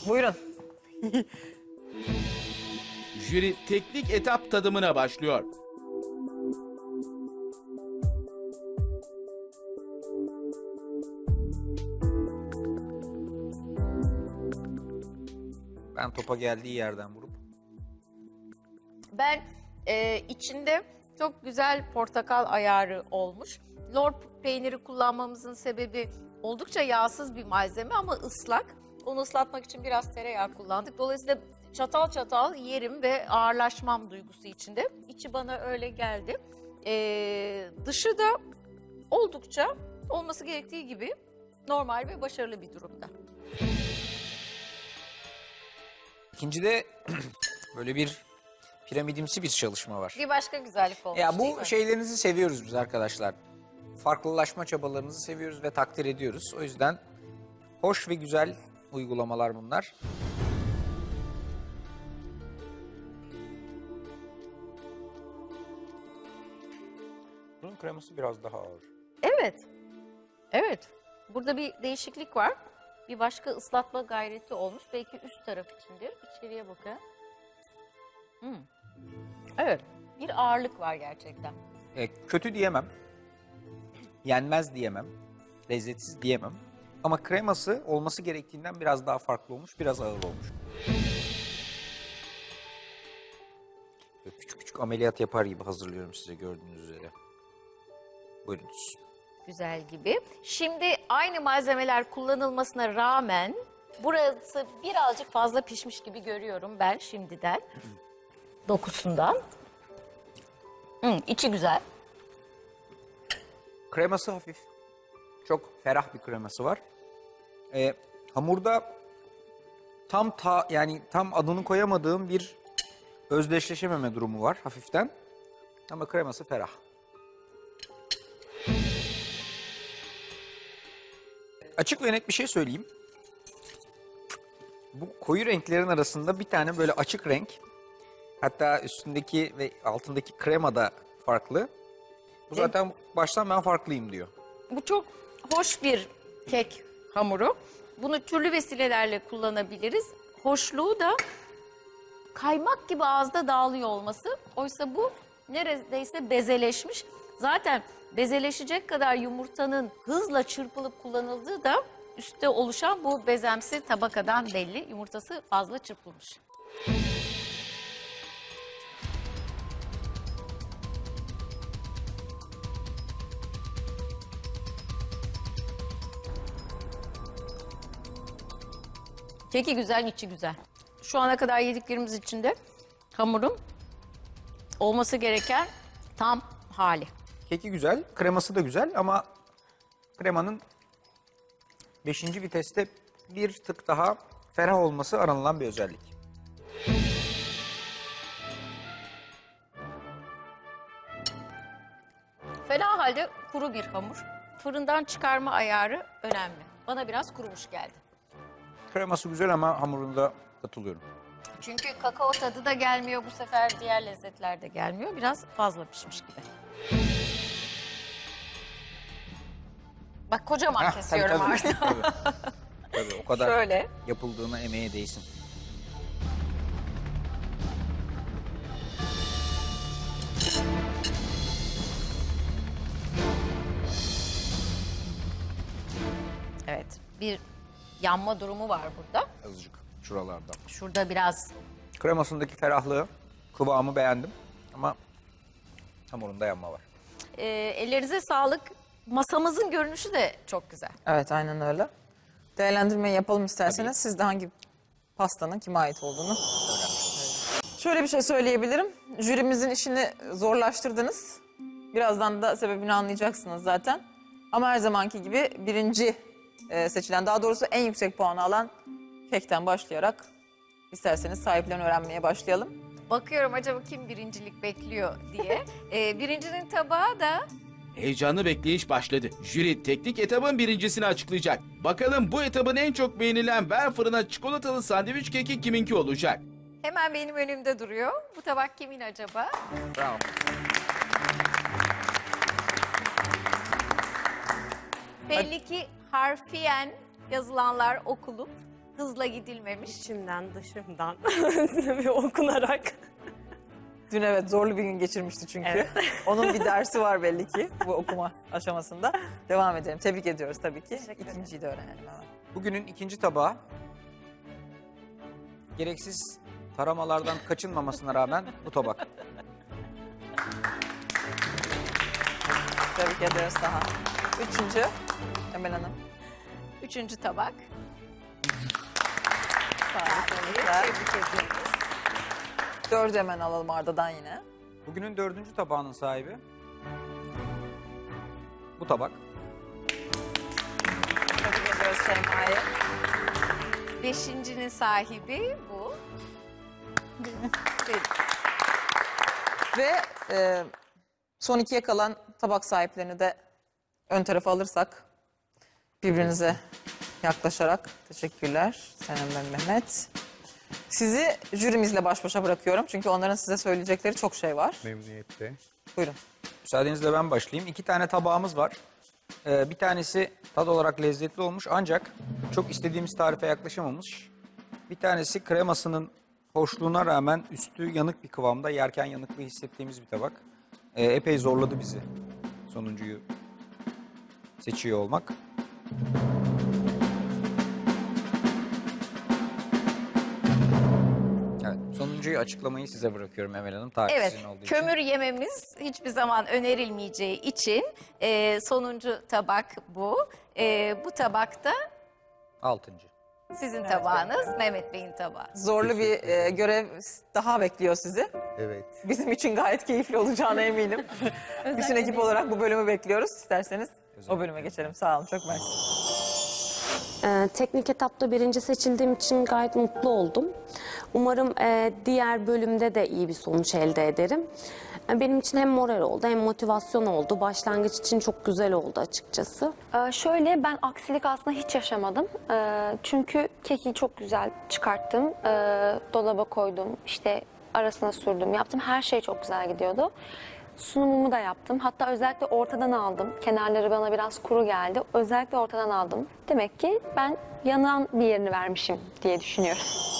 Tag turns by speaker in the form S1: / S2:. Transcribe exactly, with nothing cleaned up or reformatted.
S1: Buyurun.
S2: Jüri teknik etap tadımına başlıyor.
S3: Ben topa geldiği yerden vurup.
S4: Ben e, içinde çok güzel portakal ayarı olmuş. Lor peyniri kullanmamızın sebebi oldukça yağsız bir malzeme ama ıslak. Onu ıslatmak için biraz tereyağı kullandık. Dolayısıyla çatal çatal yerim ve ağırlaşmam duygusu içinde. İçi bana öyle geldi. E, dışı da oldukça olması gerektiği gibi normal ve başarılı bir durumda.
S3: İkincide böyle bir piramidimsi bir çalışma var.
S4: Bir başka güzellik olmuş
S3: Ya
S4: değil
S3: bu
S4: mi?
S3: şeylerinizi seviyoruz biz arkadaşlar. Farklılaşma çabalarınızı seviyoruz ve takdir ediyoruz. O yüzden hoş ve güzel uygulamalar bunlar. Bunun kreması biraz daha ağır.
S4: Evet. Evet. Burada bir değişiklik var. Bir başka ıslatma gayreti olmuş. Belki üst taraf içindir. İçeriye bakın. Hmm. Evet. Bir ağırlık var gerçekten.
S3: E, kötü diyemem. Yenmez diyemem. Lezzetsiz diyemem. Ama kreması olması gerektiğinden biraz daha farklı olmuş, biraz ağır olmuş. Böyle küçük küçük ameliyat yapar gibi hazırlıyorum size gördüğünüz üzere. Buyurunuz.
S4: Güzel gibi. Şimdi aynı malzemeler kullanılmasına rağmen burası birazcık fazla pişmiş gibi görüyorum ben şimdiden. Dokusundan. Hmm, içi güzel.
S3: Kreması hafif. Çok ferah bir kreması var. Ee, hamurda tam ta yani tam adını koyamadığım bir özdeşleşememe durumu var hafiften. Ama kreması ferah. Açık ve net bir şey söyleyeyim. Bu koyu renklerin arasında bir tane böyle açık renk. Hatta üstündeki ve altındaki krema da farklı. Bu zaten baştan ben farklıyım diyor.
S4: Bu çok hoş bir kek hamuru. Bunu türlü vesilelerle kullanabiliriz. Hoşluğu da kaymak gibi ağızda dağılıyor olması. Oysa bu neredeyse bezeleşmiş. Zaten bezeleşecek kadar yumurtanın hızla çırpılıp kullanıldığı da üstte oluşan bu bezemsi tabakadan belli. Yumurtası fazla çırpılmış. Keki güzel, içi güzel. Şu ana kadar yediklerimiz içinde hamurun olması gereken tam hali.
S3: Keki güzel, kreması da güzel ama kremanın beşinci viteste bir tık daha ferah olması aranılan bir özellik.
S4: Fena halde kuru bir hamur. Fırından çıkarma ayarı önemli. Bana biraz kurumuş geldi.
S3: Kreması güzel ama hamurunda katılıyorum.
S4: Çünkü kakao tadı da gelmiyor bu sefer, diğer lezzetler de gelmiyor. Biraz fazla pişmiş gibi. Bak kocaman
S3: Heh,
S4: kesiyorum
S3: tabii,
S4: artık.
S3: tabii. Tabii, o kadar
S4: Şöyle.
S3: yapıldığına emeğe değsin.
S4: Evet, bir yanma durumu var burada.
S3: Azıcık şuralarda.
S4: Şurada biraz
S3: Kremasındaki ferahlığı, kıvamı beğendim ama hamurunda yanma var.
S4: e, ellerinize sağlık. Masamızın görünüşü de çok güzel.
S1: Evet, aynen öyle. Değerlendirmeyi yapalım isterseniz. Siz de hangi pastanın kime ait olduğunu. Şöyle bir şey söyleyebilirim. Jürimizin işini zorlaştırdınız. Birazdan da sebebini anlayacaksınız zaten. Ama her zamanki gibi birinci e, seçilen, daha doğrusu en yüksek puanı alan kekten başlayarak isterseniz sahiplerini öğrenmeye başlayalım.
S4: Bakıyorum acaba kim birincilik bekliyor diye. e, birincinin tabağı da
S2: Heyecanlı bekleyiş başladı. Jüri teknik etabın birincisini açıklayacak. Bakalım bu etabın en çok beğenilen ver fırına çikolatalı sandviç keki kiminki olacak?
S4: hemen benim önümde duruyor. Bu tabak kimin acaba?
S3: Bravo.
S4: Belli ki harfiyen yazılanlar okulup hızla gidilmemiş.
S5: İçimden dışımdan ve okunarak.
S1: Dün evet zorlu bir gün geçirmişti çünkü.
S5: Evet.
S1: Onun bir dersi var belli ki bu okuma aşamasında. Devam edelim. Tebrik ediyoruz tabii ki.
S5: Teşekkür ederim.
S1: İkinciyi de öğrenelim hemen.
S3: Bugünün ikinci tabağı gereksiz taramalardan kaçınmamasına rağmen bu tabak.
S1: Tebrik ediyoruz daha. Üçüncü Emel Hanım.
S4: Üçüncü tabak.
S1: Harika.
S4: Tebrik ediyoruz.
S1: Dördü hemen alalım Arda'dan yine.
S3: Bugünün dördüncü tabağının sahibi bu tabak.
S1: Tebrik ediyoruz Şeyma'yı.
S4: Beşincinin sahibi bu.
S1: Ve e, son ikiye kalan tabak sahiplerini de ön tarafa alırsak birbirinize yaklaşarak teşekkürler Senem ve Mehmet. Sizi jürimizle baş başa bırakıyorum çünkü onların size söyleyecekleri çok şey var.
S6: Memnuniyetle.
S1: Buyurun.
S3: Müsaadenizle ben başlayayım. İki tane tabağımız var. Ee, bir tanesi tad olarak lezzetli olmuş ancak çok istediğimiz tarife yaklaşamamış. Bir tanesi kremasının hoşluğuna rağmen üstü yanık bir kıvamda, yerken yanıklığı hissettiğimiz bir tabak. Ee, epey zorladı bizi sonuncuyu seçiyor olmak. Evet, sonuncuyu açıklamayı size bırakıyorum Emel Hanım. Tarih
S4: Evet,
S3: sizin olduğu için.
S4: kömür yememiz hiçbir zaman önerilmeyeceği için e, sonuncu tabak bu. E, bu tabakta
S3: Altıncı.
S4: sizin tabağınız, Mehmet Bey'in tabağı.
S1: Zorlu bir e, görev daha bekliyor sizi.
S6: Evet.
S1: Bizim için gayet keyifli olacağına eminim. Bütün ekip olarak bu bölümü bekliyoruz. İsterseniz o bölüme geçelim. Sağ olun, çok mersi.
S5: Ee, teknik etapta birinci seçildiğim için gayet mutlu oldum. Umarım e, diğer bölümde de iyi bir sonuç elde ederim. E, benim için hem moral oldu hem motivasyon oldu. Başlangıç için çok güzel oldu açıkçası.
S7: Ee, şöyle ben aksilik aslında hiç yaşamadım. Ee, çünkü keki çok güzel çıkarttım. Ee, dolaba koydum, işte arasına sürdüm, yaptım. Her şey çok güzel gidiyordu. Sunumumu da yaptım. Hatta özellikle ortadan aldım. Kenarları bana biraz kuru geldi. Özellikle ortadan aldım. Demek ki ben yanan bir yerini vermişim diye düşünüyorum.